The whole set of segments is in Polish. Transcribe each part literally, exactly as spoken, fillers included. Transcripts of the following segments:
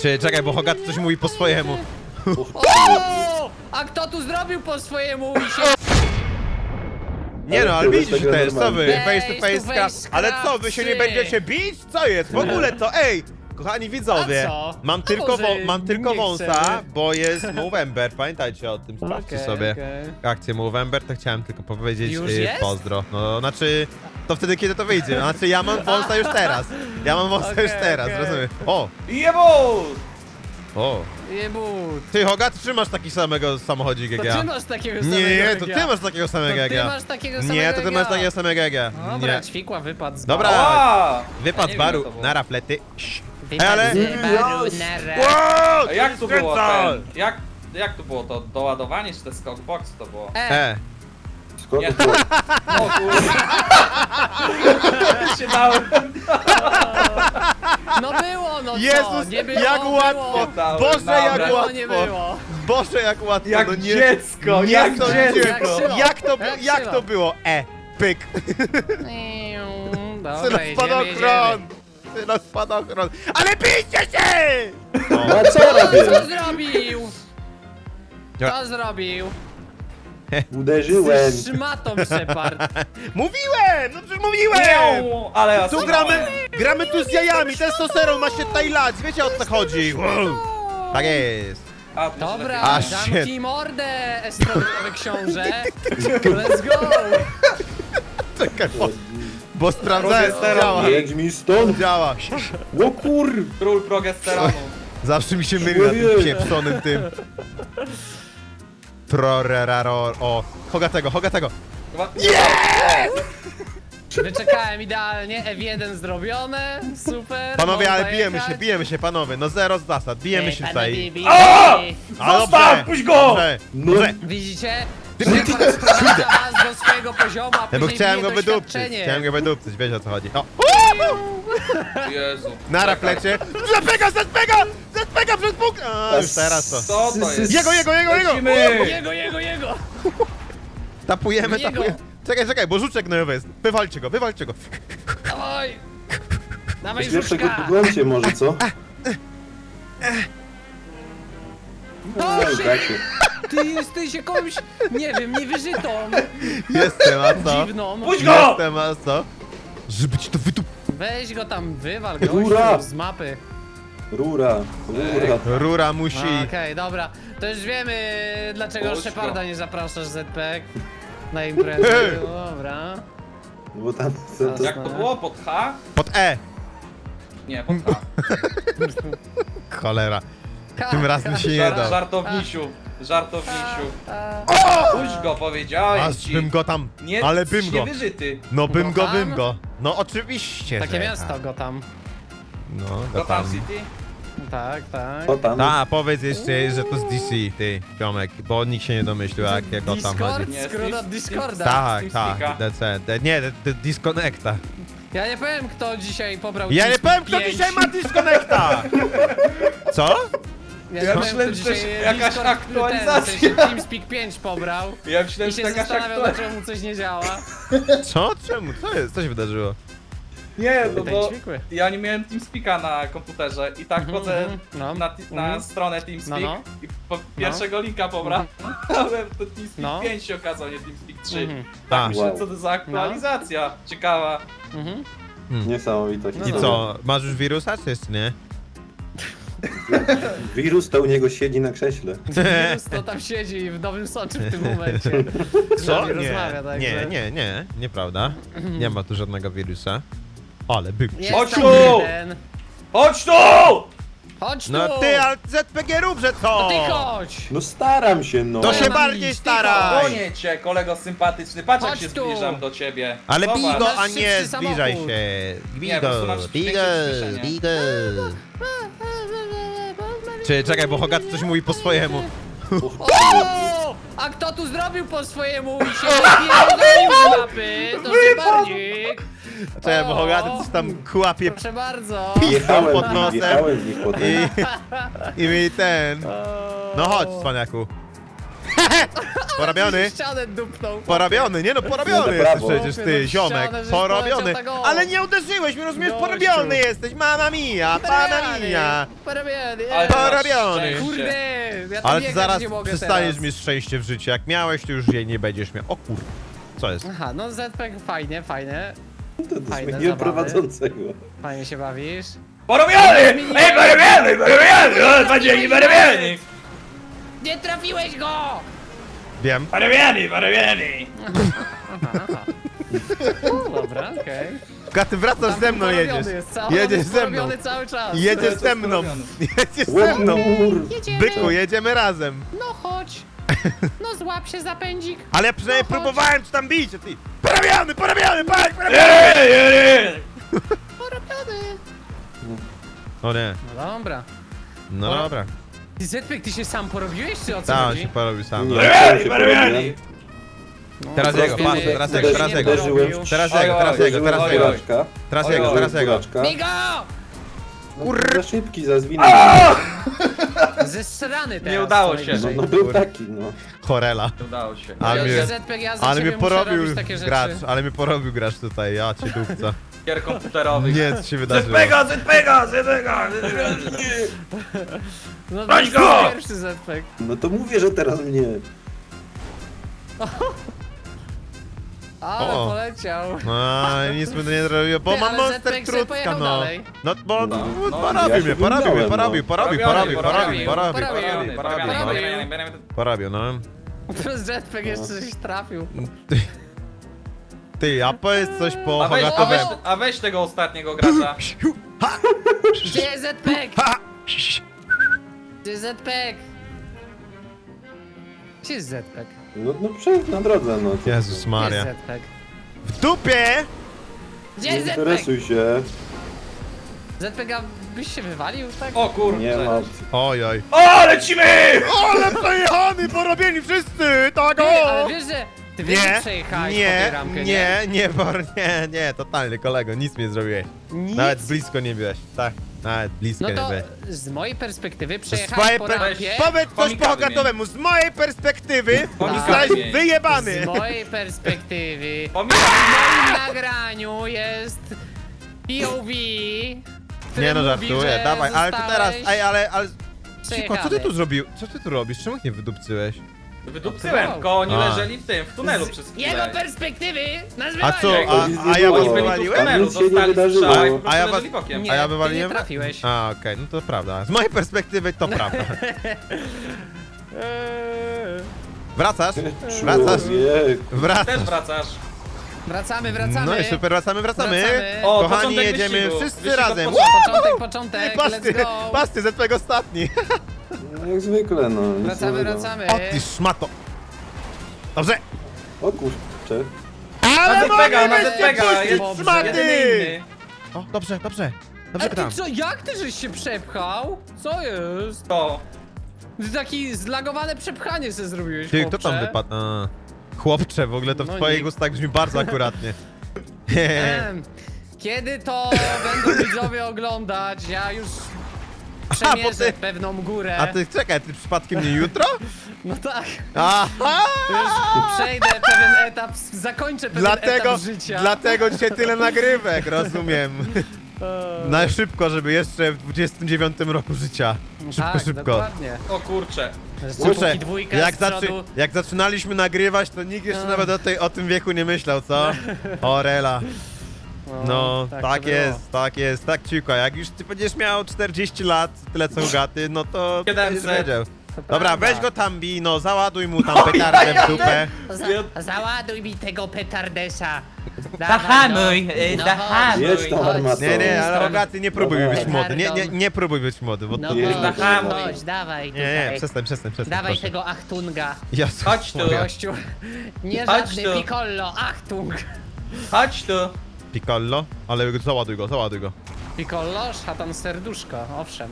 Czy czekaj, bo Hogaty coś mówi po swojemu. O! A kto tu zrobił po swojemu i się... Nie no, ale to widzisz jest tak też, co wy? normalnie. Face to Face face to craft. face Ale co, wy się nie craftsy. będziecie bić? Co jest? W ogóle to, ej! Kochani widzowie, A co? mam A tylko, może wą- mam tylko nie wąsa, chcemy? bo jest Movember, pamiętajcie o tym, sprawdźcie Okej, sobie okej. akcję Movember, to chciałem tylko powiedzieć Już y, jest? pozdro. No, znaczy, to wtedy kiedy to wyjdzie, znaczy ja mam wąsa już teraz, ja mam wąsa Okej, już teraz, okej. rozumiem. O, Jebo! o, Jebut. ty Hogat, czy masz taki samego samochodzik jak To ja? ty masz takiego samego Nie, jak to ja. ty masz takiego samego To jak ty ja. masz takiego samego Nie, to ty jak masz ja. takiego samego jak ja. Dobra, Nie. ćwikła wypadł z Dobra. baru. A! Wypad Ja z nie baru, wiem, co to było. nara flety. Sz. Wypadł ale- z baru, nara. Wow, A jak tu było skręca! ten? Jak, jak tu było to doładowanie, czy te skokbox to było? E, E, Nie. O kurde. się dałem. no było, no co? Jezus, nie było, jak było. łatwo! Dałem, Boże, dałem. jak Było, łatwo! nie było. Boże, jak łatwo! Jak no nie, dziecko, nie jak sądziłem. dziecko. Jak Jak to, Jak jak Sylo. to było? E, pyk! Dobra, Syna jedziemy, spadochron! Syna spadochron! Ale bijcie się! No a co robię? jedziemy. Co zrobił? Ja- Co zrobił? Uderzyłem. Z szmatą Shepard. Mówiłem! No przecież mówiłem! Nie, ale ja Tu gramy, gramy tu z jajami, testosteron ma się tutaj lać, wiecie o co chodzi? Wow. Tak jest. A, tu się Dobra, A, lepiej nie. zamknij mordę, estrogenowy książę. Let's go! Czekaj, bo, bo sprawdzałem, to Progesteron. działa. Jedź mi stąd! Działa. O kur... Król progesteronu. Zawsze mi się myli na tym Człowiek. pieprzonym tym. Troreraro. O, Hogatego, Hogatego. Chyba- Wyczekałem idealnie, F jeden zrobione, super. Panowie, można ale bijemy jechać. się, bijemy się, panowie. No zero z zasad, bijemy Ej, się panowie, tutaj. bij, A! bij. A, Zostaw, puść go! Dobrze, No. dobrze. Widzicie? Ty- Shepard sprowadza nas do swojego poziomu, a Ja bo później chciałem bije go wydupcyć, doświadczenie. chciałem go wydupcyć, wiecie o co chodzi. O, Jezu. na Czekaj. raflecie. Zepega, zepega! Zepega przez Bóg! A, już teraz to. Co to jest? Jego, jego, jego, jego! Lecimy! Jego, jego, jego! Tapujemy, Jego. tapujemy. Czekaj, czekaj, bo żuczek gnojowy jest. Wywalcie go, wywalcie go. Dawaj! Dawaj Pierwsze go żuczka! poglądcie może, co? To Ej, się, bracie. ty jesteś jakąś, nie wiem, niewyżytą, Jestem, a co? dziwną. Puść go! Jestem, a co? Żeby ci to wydup... Weź go tam, wywal Rura! gościu z mapy. Rura, rura. Rura musi... Okej, dobra. To już wiemy, dlaczego Puść go. Sheparda nie zapraszasz Z P K na imprezę. Ej. Dobra. Bo tam... To, to, Jak to było? Pod H? Pod E. Nie, pod H. Cholera. Tym razem się nie Żar da. żartownisiu. Żartownisiu. A, Puść go, powiedziałem Aż ci. bym go tam... Nie, Ale bym go. niewyżyty. No bym go, Gotham? bym go. No oczywiście, takie że miasto tak. go tam. No, Gotham Gotham. City? Tak, tak. o tam. Ta, powiedz jeszcze, że to z D C, ty, Piomek, bo nikt się nie domyślił, jak jak o tam Discord? chodzi. Nie, Skrót od Steam- Discorda. Tak, Steamsticka. tak, D C, D- nie, d- d- Disconnecta. Ja nie powiem, kto dzisiaj pobrał Ja nie TeamSpeak powiem, kto pięć. dzisiaj ma Disconnecta! Co? Ja, Ja nie powiem, myślałem, kto że to dzisiaj jest jakaś Discord, aktualizacja. Ten, w sensie TeamSpeak pięć pobrał Ja myślałem, i że się jakaś zastanawiał, aktualizacja. dlaczego mu coś nie działa. Co? Czemu? Co jest? Co się wydarzyło? Nie, no Tutaj bo ćwikły. ja nie miałem TeamSpeaka na komputerze i tak Mhm, chodzę mhm, no, na, ti- na mhm. stronę TeamSpeak No, no. i po pierwszego linka pobrałem, ale to TeamSpeak No. pięć się okazał, nie TeamSpeak trzy. Mhm. Tak A. myślę, Wow. co to za aktualizacja. Ciekawa. Mhm. Niesamowitość. No I no. co? Masz już wirusa, czy jeszcze nie? Wirus to u niego siedzi na krześle. Wirus to tam siedzi w Nowym Soczu w tym momencie. Z Co? nami Nie, rozmawia, także. nie, nie, nie, nieprawda. Nie ma tu żadnego wirusa. Ale był. Jest Chodź tam tu! jeden. Chodź tu! Chodź tu! No ty, ale Z P G rób, że To co? ty chodź! No staram się, no. To się mam bardziej iść, staraj! Gonię cię, kolego sympatyczny. Patrz jak Chodź się tu. zbliżam do ciebie. Ale bij Zobacz. go, Masz a nie szybszy zbliżaj samochód. się. Bij Nie, po prostu go, masz bij go, większe przyspieszenie. bij go. Czy czekaj, bo Hogat coś mówi po swojemu. O! A kto tu zrobił po swojemu i się wypierdolił z mapy? To Shepardzik! Czekaj, bo O! Hogaty coś tam kłapie Proszę bardzo! Jechałem pod w nich, nosem. jechałem w nich potem. i, i mi ten. No chodź, cwaniaku. Porobiony. Ścianę dupnął. Porobiony, nie no, porobiony No to jesteś brawo. przecież Chłopie, ty, no ziomek. ścianę, żeś Porobiony. poleciał tak o. Ale nie uderzyłeś mnie, rozumiesz? Gościu. Porobiony jesteś, mamma mia, pana mia. Porobiony. Ale ty masz Porobiony. szczęście. Kurde, ja tam Ale ty biegać zaraz nie mogę przestaniesz teraz. mieć szczęście w życiu. Jak miałeś, to już jej nie będziesz miał. O kur... Co jest? Aha, no Z P fajnie, fajnie. To, to Fajne zmieniłem zabawy. prowadzącego. Fajnie się bawisz. Porobiony! Ej, porobiony, porobiony! O, Padzieni, porobiony! Nie trafiłeś go! Wiem. Porobiony, porobiony! O, dobra, okej. Ka, ty wracasz ze mną Porobiony jedziesz. jest cały- Jedziesz jest ze mną. porobiony cały czas. Jedziesz ze mną. Jedziesz ze mną. Łomur! Jedziemy. Byku, jedziemy razem. No chodź. No złap się za pędzik. Ale ja przynajmniej No chodź. próbowałem ci tam bić, a ty... Porobiony, porobiony, patrz, porobiony! Ej, ej, ej! Porobiony. O nie, No dobra. no Poro- dobra. Ty Zetpek, ty się sam porobiłeś, czy o co Tak, on chodzi? się porobił sam. Nie. Porobiony, porobiony! No, Teraz jego, Zetpek, patrz, teraz coś jego, nie teraz jego. porobił. Teraz Oj, jego, teraz oj, jego, teraz oj, jego. oj. Buraczka. Teraz Oj, jego, oj, teraz jego. Buraczka. Migo! No, za szybki, za zwinny. Zesrany teraz. Nie udało co się. No, najwyżej. no był taki, no. Chorela. Nie udało się. Ale Ja- mnie- ja Zetpek, ja za Ale ciebie mnie muszę porobił robić takie rzeczy. gracz, ale mnie porobił gracz tutaj, ja cię dupca. Gier komputerowych. Nie, co się wydarzyło? Zetpega, zetpega, zetpega! No Broń to go! jest pierwszy Zetpek. No to mówię, że teraz mnie. Ale O. poleciał. No, nic mi to nie zrobiło, bo Ty, mam ale monster Zetpek se trucka, pojechał no. dalej. No, bo No, no, no, porobił ja mnie, się porobił, wybrałem, porobił, no. porobił, porobił, porobił, porobił, Porobiony, porobił, porobiony. porobił, no. Porobił, no. Teraz Zetpek jeszcze coś trafił. Ty, ty, a powiedz coś po A weź, a, weź, hogatowemu. a weź tego ostatniego gracza. Gdzie jest Zetpek? Ha! Gdzie jest Zetpek? Gdzie jest Zetpek? No, no przed na drodze, no. co- Jezus Gdzie Maria. jest Zetpek? W dupie! Gdzie Nie jest Zetpek? interesuj się. Zetpek, a byś się wywalił, tak? O kurczę. Nie ma opcji. Oj, oj. O, lecimy! Ale przejechany, porobieni wszyscy, tak Ty, o! ale wiesz, że... Ty wiesz, że Nie, przejechałeś po tej nie, ramkę, nie, nie, bor, nie, nie, totalnie, kolego, nic mi nie zrobiłeś. Nic? Nawet blisko nie byłeś, tak, nawet blisko No nie to byłeś. z mojej perspektywy Z przejechałeś twojej po per... rampie. Powiedz coś po Pomikami hogatowemu, z mojej perspektywy Pomikami zostałeś mnie. wyjebany. Z mojej perspektywy Pomijam. w moim nagraniu jest P O V, który Nie no, mówi, żartuję, że dawaj, ale to teraz, zostałeś ej, ale, ale... Cicho, co ty przejechany. tu zrobił? Co ty tu robisz? Czemu ich nie wydupcyłeś? Wydupcyłem, tylko oni A. leżeli w tym, w tunelu przez Z chwilę. jego perspektywy nas A co, wywalił. a, Nic a nie ja było. was Oni byli tu w wywaliłem? tunelu, Nic się nie dostali wydarzyło. strzał i po prostu A ja was- leżeli bokiem. Nie, A ja ty wywaliłem? nie trafiłeś. A, okej, no to prawda. Z mojej perspektywy to prawda. Eee. Wracasz? Wracasz? Człowieku. Wracasz. Też wracasz. Wracamy, wracamy. No i super, wracamy, wracamy. Wracamy. O, Kochani, początek jedziemy wyścigu. wszyscy Wyścig od razem. początku. Początek, Ty, początek, pasty, let's go. pasty, Zetpek ostatni. No jak zwykle, no. nic Wracamy, nowego. wracamy. O ty szmato. Dobrze. O kurczę. Ale Na Zetpega, na mogę Zetpega, puścić jest Dobrze. jedyny szmaty. inny. O, dobrze, dobrze. A Dobrze ty gram. co, jak ty żeś się przepchał? Co jest? To. Ty taki zlagowane przepchanie sobie zrobiłeś, Ty, kto tam chłopcze. wypadł? A, chłopcze, w ogóle to w No twoich nie. ustach brzmi bardzo akuratnie. Em, Kiedy to będą widzowie oglądać, ja już bo przemierzę ty- pewną górę. A ty, czekaj, ty przypadkiem nie jutro? No tak, Aha! już przejdę pewien etap, zakończę pewien Dlatego, etap życia. dlatego dzisiaj tyle nagrywek, rozumiem. Eee, Na szybko, żeby jeszcze w dwudziestym dziewiątym roku życia. Szybko, tak, szybko. dokładnie. O kurczę. Jeszcze Kurczę, póki dwójka jak, z zaczy, przodu. jak zaczynaliśmy nagrywać, to nikt jeszcze No. nawet o, tej, o tym wieku nie myślał, co? Orela. No, tak tak, to było. jest, tak jest, tak ciuko. Jak już ty będziesz miał czterdzieści lat, tyle co Gaty, no to siedemset. będziesz wiedział. To Dobra, prawda. weź go tam bij, no załaduj mu tam petardę w dupę. Za, załaduj mi tego petardesa. Zahamuj, Dawaj, y, no. zahamuj. Jedź tą Chodź. armatą. Nie, nie, ale Stąd. Ogaty, nie próbuj Dawaj. być młody, nie, nie, nie próbuj być młody, bo No to... Jedź chodź, na hamuj. chodź, dawaj Nie, tutaj. nie, przestań, przestań, przestań, Dawaj proszę. tego Achtunga. Jezus Chodź tu. Maria. Gościu. Nie Chodź żadny tu. Piccolo, Achtung. Chodź tu. Piccolo, ale załaduj go, załaduj go. Piccolo, szatan serduszko, owszem.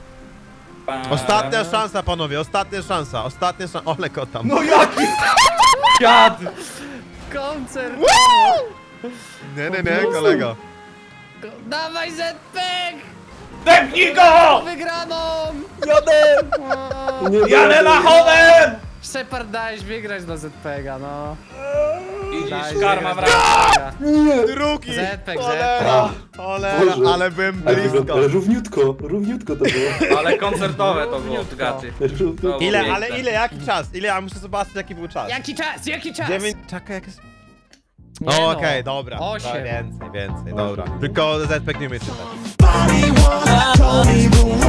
Ostatnia szansa, panowie, ostatnia szansa, ostatnia szansa. Ole go tam. No jaki dziad! Koncert! Nie, nie, nie, kolego. Dawaj Z-Peg! Depnij go! Wygraną! Jadę! O, Nie Jadę będę. lachodem! Shepard, dałeś wygrać dla Z P G a, no. Widzisz, Dałeś karma wygrać wraca. dla Z P G a. Nie! Drugi! Zetek, Cholera! zetek. Cholera, Boże. ale byłem Ale, blisko. ale równiutko, równiutko to było. Ale koncertowe to było, Równiutko. gaty. Równiutko. Ile, Piękne. ale ile, jaki czas? Ile, ja muszę zobaczyć jaki był czas. Jaki czas, jaki czas? Dziewięć, czekaj, jak jest... Nie O, no. okej, dobra. Osiem. Więcej, więcej, dobra. Tylko Z P G nie umie czytać. Body wanna tell me the